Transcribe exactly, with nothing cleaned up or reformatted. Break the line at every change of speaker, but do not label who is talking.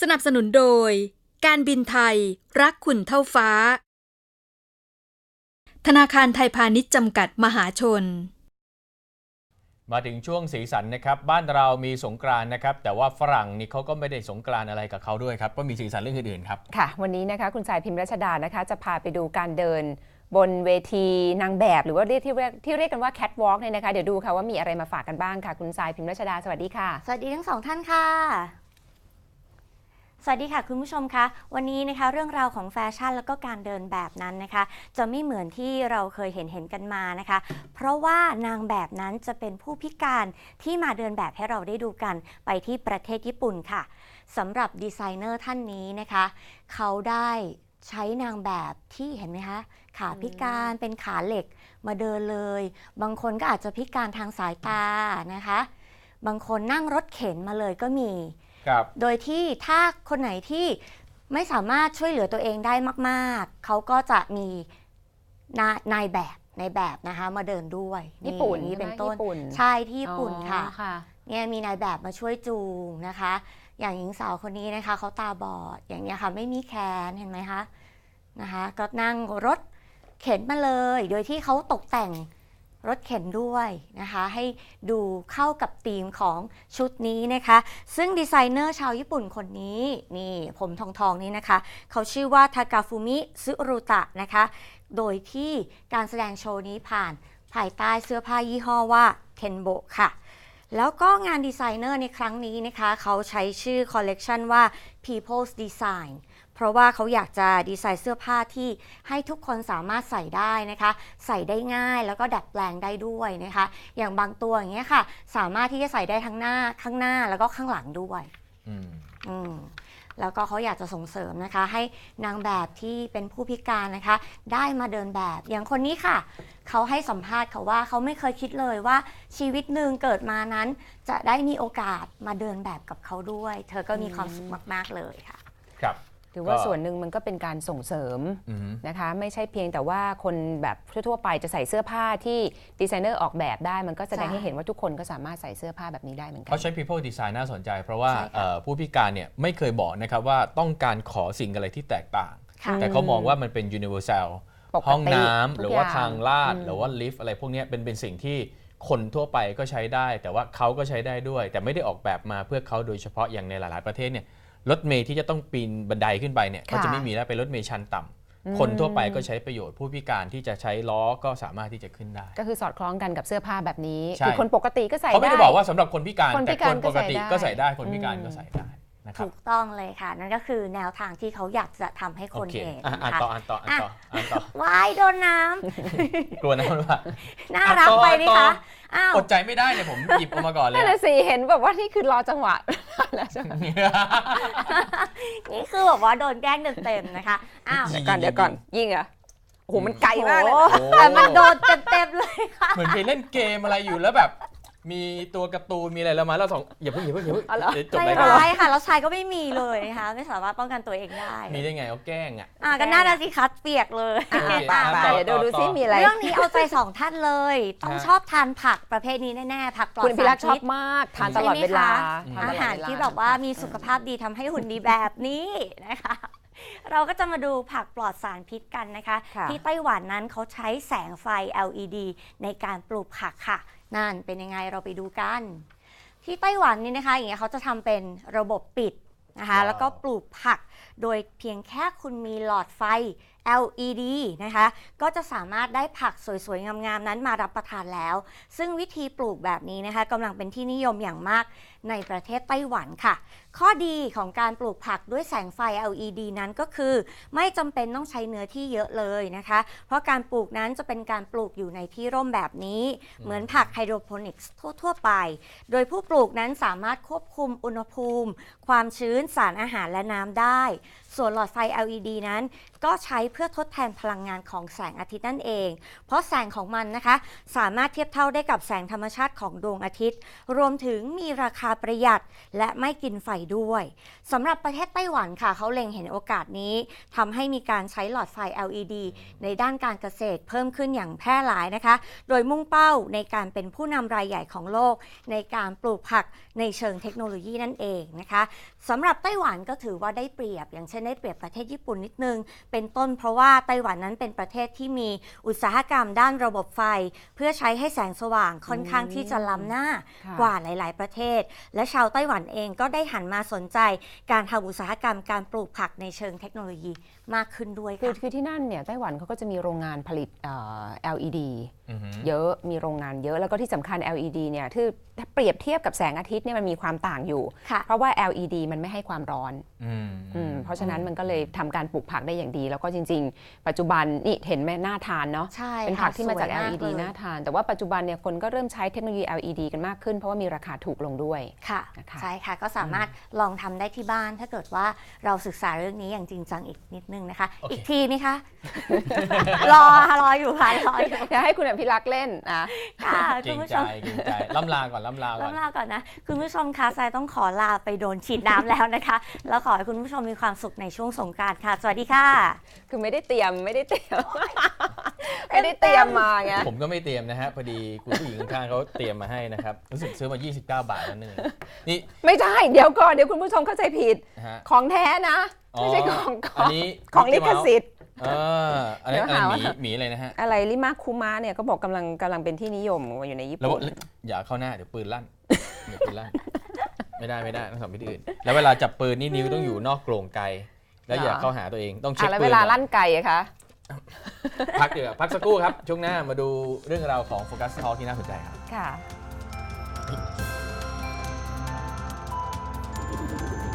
สนับสนุนโดยการบินไทยรักคุณเท่าฟ้าธนาคารไทยพาณิชย์จำกัดมหาชน
มาถึงช่วงสีสันนะครับบ้านเรามีสงกรานต์นะครับแต่ว่าฝรั่งนี่เขาก็ไม่ได้สงกรานต์อะไรกับเขาด้วยครับก็มีสีสันเรื่องอื่นๆครับ
ค่ะวันนี้นะคะคุณสายพิมพ์รัชดานะคะจะพาไปดูการเดินบนเวทีนางแบบหรือว่าเรียกที่เรียกที่เรียกกันว่าแคทวอล์กเนี่ยนะคะเดี๋ยวดูค่ะว่ามีอะไรมาฝากกันบ้างค่ะคุณสายพิมพ์รัชดาสวัสดีค่ะ
สวัสดีทั้งสองท่านค่ะสวัสดีค่ะคุณผู้ชมคะวันนี้นะคะเรื่องราวของแฟชั่นแล้วก็การเดินแบบนั้นนะคะจะไม่เหมือนที่เราเคยเห็นเห็นกันมานะคะเพราะว่านางแบบนั้นจะเป็นผู้พิการที่มาเดินแบบให้เราได้ดูกันไปที่ประเทศญี่ปุ่นค่ะสำหรับดีไซเนอร์ท่านนี้นะคะเขาได้ใช้นางแบบที่เห็นไหมคะขาพิการเป็นขาเหล็กมาเดินเลยบางคนก็อาจจะพิการทางสายตานะคะบางคนนั่งรถเข็นมาเลยก็มีโดยที่ถ้าคนไหนที่ไม่สามารถช่วยเหลือตัวเองได้มากๆเขาก็จะมีนายแบบในแบบนะคะมาเดินด้วย
ญี่ปุ่น
นี้เป็นต้นใช่ที่ญี่ปุ่นค่ะเนี่ยมีนายแบบมาช่วยจูงนะคะอย่างหญิงสาวคนนี้นะคะเขาตาบอดอย่างนี้ค่ะไม่มีแขนเห็นไหมคะนะคะก็นั่งรถเข็นมาเลยโดยที่เขาตกแต่งรถเข็นด้วยนะคะให้ดูเข้ากับธีมของชุดนี้นะคะซึ่งดีไซเนอร์ชาวญี่ปุ่นคนนี้นี่ผมทองทองนี้นะคะเขาชื่อว่าทากาฟุมิซึรุตะนะคะโดยที่การแสดงโชว์นี้ผ่านภายใต้เสื้อผ้ายี่ห้อว่าเคนโบะค่ะแล้วก็งานดีไซเนอร์ในครั้งนี้นะคะเขาใช้ชื่อคอลเลกชันว่า People's Designเพราะว่าเขาอยากจะดีไซน์เสื้อผ้าที่ให้ทุกคนสามารถใส่ได้นะคะใส่ได้ง่ายแล้วก็ดัดแปลงได้ด้วยนะคะอย่างบางตัวอย่างเงี้ยค่ะสามารถที่จะใส่ได้ทั้งหน้าข้างหน้าแล้วก็ข้างหลังด้วยอืมอืมแล้วก็เขาอยากจะส่งเสริมนะคะให้นางแบบที่เป็นผู้พิการนะคะได้มาเดินแบบอย่างคนนี้ค่ะเขาให้สัมภาษณ์เขาว่าเขาไม่เคยคิดเลยว่าชีวิตหนึ่งเกิดมานั้นจะได้มีโอกาสมาเดินแบบกับเขาด้วยเธอก็มีความสุขมากๆเลยค่ะ
ครับ
ถือว่าส่วนหนึ่งมันก็เป็นการส่งเสริมนะคะไม่ใช่เพียงแต่ว่าคนแบบทั่วๆไปจะใส่เสื้อผ้าที่ดีไซเนอร์ออกแบบได้มันก็แสดงให้เห็นว่าทุกคนก็สามารถใส่เสื้อผ้าแบบนี้ได้เหมือนกัน
เขาใช้ people design น่าสนใจเพราะว่าผู้พิการเนี่ยไม่เคยบอกนะครับว่าต้องการขอสิ่งอะไรที่แตกต่างแต่เขามองว่ามันเป็น universal ห้องน้ำหรือว่าทางลาดหรือว่าลิฟต์อะไรพวกนี้เป็นเป็นสิ่งที่คนทั่วไปก็ใช้ได้แต่ว่าเขาก็ใช้ได้ด้วยแต่ไม่ได้ออกแบบมาเพื่อเขาโดยเฉพาะอย่างในหลายๆประเทศเนี่ยรถเมล์ที่จะต้องปีนบันไดขึ้นไปเนี่ยก็จะไม่มีแล้วเป็นรถเมล์ชันต่ำคนทั่วไปก็ใช้ประโยชน์ผู้พิการที่จะใช้ล้อก็สามารถที่จะขึ้นได้
ก็คือสอดคล้องกันกับเสื้อผ้าแบบนี้คือคนปกติก็ใส่ได้
เขาไม่ได้บอกว่าสำหรับคนพิการแต่คนปกติก็ใส่ได้คนพิการก็ใส่ได้
ถูกต้องเลยค่ะนั่นก็คือแนวทางที่เขาอยากจะทำให้คนเห็น
อ่านต่ออ่านต่ออ่านต่ออ่านต่อ
วายโดนน้
ำกลัวน้ำหรือเปล่า
น่ารักไปนี่คะ
อดใจไม่ได้เนี่ยผมหยิบออกมาก่อนเลย
นั่นแหละสิเห็นแบบว่านี่คือรอจังหวะแล้วใช่ไหม
นี่คือแบบว่าโดนแกล้งเต็มๆนะคะ
อ้าวเดี๋ยวก่อนเดี๋ยวก่อนยิงเหรอโอ้โหมันไกลมากเลย
แต่มันโดนเต็มๆเลยค่ะ
เหมือนไปเล่นเกมอะไรอยู่แล้วแบบมีตัวการ์ตูนมีอะไรแล้วมาแล้วสองอย่าเพิ่งอย่าเพิ่งอย่าเพิ่ง
จบเลยค่ะไม่ค่ะแล้วชายก็ไม่มีเลยนะคะไม่สามารถป้องกันตัวเองได้
มีได้ไงเขาแกล้งอ่ะ
อ่ะก็น่าจะสิคัดเปียกเลย
เดี๋ยวดูดูซิมีอะไร
เรื่องนี้เอาใจสองท่านเลยต้องชอบทานผักประเภทนี้แน่ๆผักปลอดสารพิษ
คุณพิรักชอบมากทานตลอดเวลา
อาหารที่แบบว่ามีสุขภาพดีทำให้หุ่นดีแบบนี้นะคะเราก็จะมาดูผักปลอดสารพิษกันนะคะที่ไต้หวันนั้นเขาใช้แสงไฟ แอล อี ดี ในการปลูกผักค่ะนั่นเป็นยังไงเราไปดูกันที่ไต้หวันนี่นะคะอย่างเงี้ยเขาจะทำเป็นระบบปิดนะคะแล้วก็ปลูกผักโดยเพียงแค่คุณมีหลอดไฟ แอล อี ดี นะคะก็จะสามารถได้ผักสวยๆงามๆนั้นมารับประทานแล้วซึ่งวิธีปลูกแบบนี้นะคะกำลังเป็นที่นิยมอย่างมากในประเทศไต้หวันค่ะข้อดีของการปลูกผักด้วยแสงไฟ แอล อี ดี นั้นก็คือไม่จำเป็นต้องใช้เนื้อที่เยอะเลยนะคะเพราะการปลูกนั้นจะเป็นการปลูกอยู่ในที่ร่มแบบนี้เหมือนผักไฮโดรโปนิกส์ทั่วๆไปโดยผู้ปลูกนั้นสามารถควบคุมอุณหภูมิความชื้นสารอาหารและน้ำได้ส่วนหลอดไฟ แอล อี ดี นั้นก็ใช้เพื่อทดแทนพลังงานของแสงอาทิตย์นั่นเองเพราะแสงของมันนะคะสามารถเทียบเท่าได้กับแสงธรรมชาติของดวงอาทิตย์รวมถึงมีราคาประหยัดและไม่กินไฟด้วยสำหรับประเทศไต้หวันค่ะเขาเล็งเห็นโอกาสนี้ทำให้มีการใช้หลอดไฟ แอล อี ดี ในด้านการเกษตรเพิ่มขึ้นอย่างแพร่หลายนะคะโดยมุ่งเป้าในการเป็นผู้นำรายใหญ่ของโลกในการปลูกผักในเชิงเทคโนโลยีนั่นเองนะคะสำหรับไต้หวันก็ถือว่าได้เปรียบอย่างเช่นได้เปรียบประเทศญี่ปุ่นนิดนึงเป็นต้นเพราะว่าไต้หวันนั้นเป็นประเทศที่มีอุตสาหกรรมด้านระบบไฟเพื่อใช้ให้แสงสว่างค่อนข้างที่จะล้ำหน้ากว่าหลายๆประเทศและชาวไต้หวันเองก็ได้หันมาสนใจการทำอุตสาหกรรมการปลูกผักในเชิงเทคโนโลยีมากขึ้นด้วย
คือ
ค่ะ
คือที่นั่นเนี่ยไต้หวันเขาก็จะมีโรงงานผลิตเอ่อ แอล อี ดี เยอะมีโรงงานเยอะแล้วก็ที่สำคัญ แอล อี ดี เนี่ยที่ถ้าเปรียบเทียบกับแสงอาทิตย์เนี่ยมันมีความต่างอยู่เพราะว่า แอล อี ดี มันไม่ให้ความร้อนเพราะฉะนั้นมันก็เลยทำการปลูกผักได้อย่างดีแล้วก็จริงๆปัจจุบันนี่เห็นไหมน่าทานเนาะเป็นผักที่มาจาก แอล อี ดี น่าทานแต่ว่าปัจจุบันเนี่ยคนก็เริ่มใช้เทคโนโลยี แอล อี ดี กันมากขึ้นเพราะว่ามีราคาถูกลงด้วย
ค่ะใช่ค่ะก็สามารถลองทำได้ที่บ้านถ้าเกิดว่าเราศึกษาเรื่องนี้อย่างจริงจังอีกนิดนึงนะคะ
okay.
อีกทีไหมคะ รอรออยู่ค่ะรออยู่
อยากให้คุณอภิรักษ์เล่นนะ
ค่ะ
เก่งใจเก่งใจล่ำลาก่อนล่ำลาก่อน
ล่ำลาก่อนนะคุณผู้ชมคะทรายต้องขอลาไปโดนฉีดน้ำแล้วนะคะแล้วขอให้คุณผู้ชมมีความสุขในช่วงสงกรานต์ค่ะสวัสดีค่ะ
คือไม่ได้เตรียมไม่ได้เตรียมไม่ได้เตรียมมาไง
ผมก็ไม่เตรียมนะฮะพอดีคุณผู้หญิงข้างๆเขาเตรียมมาให้นะครับรู้สึกซื้อมายี่สิบเก้าบาทนั่นเองนี่
ไม่ใช่เดี๋ยวก่อนเดี๋ยวคุณผู้ชมเข้าใจผิดของแท้นะไม่ใช่ของของของลิขสิทธิ์
เอออันนี้อะไรหมีหมีอะไรนะฮะ
อะไรลิมาคุมะเนี่ยก็บอกกำลังกำลังเป็นที่นิยมอยู่ในญี่ปุ่น
อย่าเข้าหน้าเดี๋ยวปืนลั่นเดี๋ยวปืนลั่นไม่ได้ไม่ได้ต้องทำวิธีอื่นแล้วเวลาจับปืนนี่นิ้วต้องอยู่นอกโกรงไกแล้วอย่าเข้าหาตัวเองต้องเช็คปืน
แล้วเวลาลั่นไกอะคะ
พักเดี๋ยวพักสักครู่ครับช่วงหน้ามาดูเรื่องราวของโฟกัสทอล์กที่น่าสนใจครับ
ค่ะ